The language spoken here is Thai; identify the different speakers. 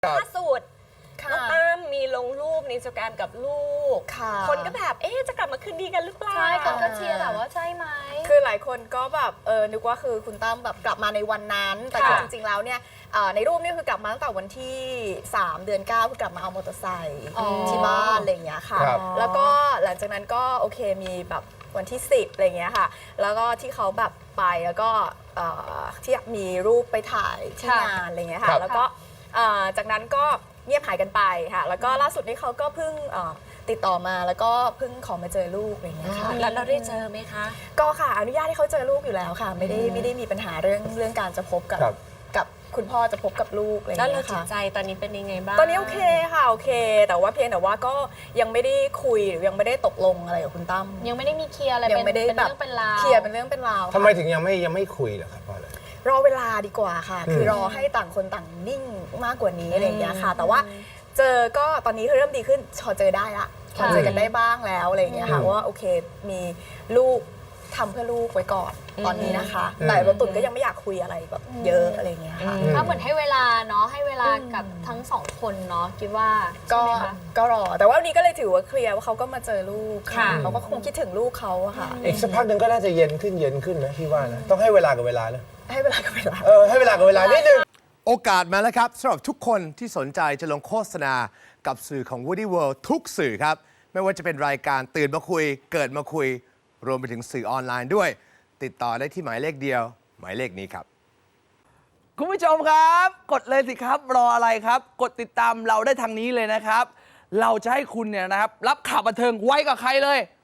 Speaker 1: ล่าสุดน้องตั้มมีลงรูปในอินสตาแกรมกับลูกคนก็แบบจะกลับมาคืนดีกันหรือเปล่า
Speaker 2: ใช่คนก็เชียร์แบบว่าใช่ไหม
Speaker 3: คือหลายคนก็แบบนึกว่าคือคุณตั้มแบบกลับมาในวันนั้นแต่จริงๆแล้วเนี่ยในรูปนี่คือกลับมาตั้งแต่วันที่3 เดือน 9คือกลับมาเอามอเตอร์ไซค์ที่บ้านอะไรอย่างเงี้ยค่ะแล้วก็หลังจากนั้นก็โอเคมีแบบวันที่10อะไรอย่างเงี้ยค่ะแล้วก็ที่เขาแบบไปแล้วก็ที่มีรูปไปถ่ายที่งานอะไรเงี้ยค่ะแล้วก็จากนั้นก็เงียบหายกันไปค่ะแล้วก็ล่าสุดนี้เขาก็เพิ่งติดต่อมาแล้วก็เพิ่งขอมาเจอลูกอะไรเงี้ยค่ะ
Speaker 1: แล้วเราได้เจอไหมคะ
Speaker 3: ก็ค่ะอนุญาตให้เขาเจอลูกอยู่แล้วค่ะไม่ได้มีปัญหาเรื่องการจะพบกับคุณพ่อจะพบกับลูกอะไร
Speaker 1: แล้ว
Speaker 3: เงี้ยค่ะ
Speaker 1: จิตใจตอนนี้เป็นยังไงบ้าง
Speaker 3: ตอนนี้โอเคค่ะโอเคแต่ว่าเพียงแต่ว่าก็ยังไม่ได้คุยหรือยังไม่ได้ตกลงอะไรกับคุณตั้ม
Speaker 2: ยังไม่ได้มีเคลียร์อะไร
Speaker 3: ยังไม่ได้แบบ
Speaker 2: เป็นราว
Speaker 3: เคลียร์เป็นเรื่องเป็นราว
Speaker 4: ทำไมถึงยังไม่คุยเหรอครับเพราะอะไร
Speaker 3: รอเวลาดีกว่าค่ะคือรอให้ต่างคนต่างนิ่งมากกว่านี้อะไรอย่างเงี้ยค่ะแต่ว่าเจอก็ตอนนี้เริ่มดีขึ้นพอเจอได้ละพอเจอกันได้บ้างแล้วอะไรอย่างเงี้ยค่ะว่าโอเคมีลูกทำเพื่อลูกไว้ก่อนตอนนี้นะคะแต่บางตุ่นก็ยังไม่อยากคุยอะไรแบบเยอะอะไรอย่างเงี้ยค่ะ
Speaker 2: ก็เหมือนให้เวลาเนาะให้เวลากับทั้งสองคนเนาะคิดว่า
Speaker 3: ก็รอแต่ว่าวันนี้ก็เลยถือว่าเคลียร์ว่าเขาก็มาเจอลูกค่ะเขาก็คงคิดถึงลูกเขาอะค่ะ
Speaker 4: อีกสักพักหนึ่งก็น่าจะเย็นขึ้นนะพี่ว่านะต้องให้เวลากับเวลานะ
Speaker 3: ให้เวลากับเวลา
Speaker 4: ให้เวลากับเวลานิดนึงโอกาสมาแล้วครับสำหรับทุกคนที่สนใจจะลงโฆษณากับสื่อของ Woody World ทุกสื่อครับไม่ว่าจะเป็นรายการตื่นมาคุยเกิดมาคุยรวมไปถึงสื่อออนไลน์ด้วยติดต่อได้ที่หมายเลขเดียวหมายเลขนี้ครับ
Speaker 5: คุณผู้ชมครับกดเลยสิครับรออะไรครับกดติดตามเราได้ทางนี้เลยนะครับเราจะให้คุณเนี่ยนะครับรับข่าวบันเทิงไว้กับใครเลย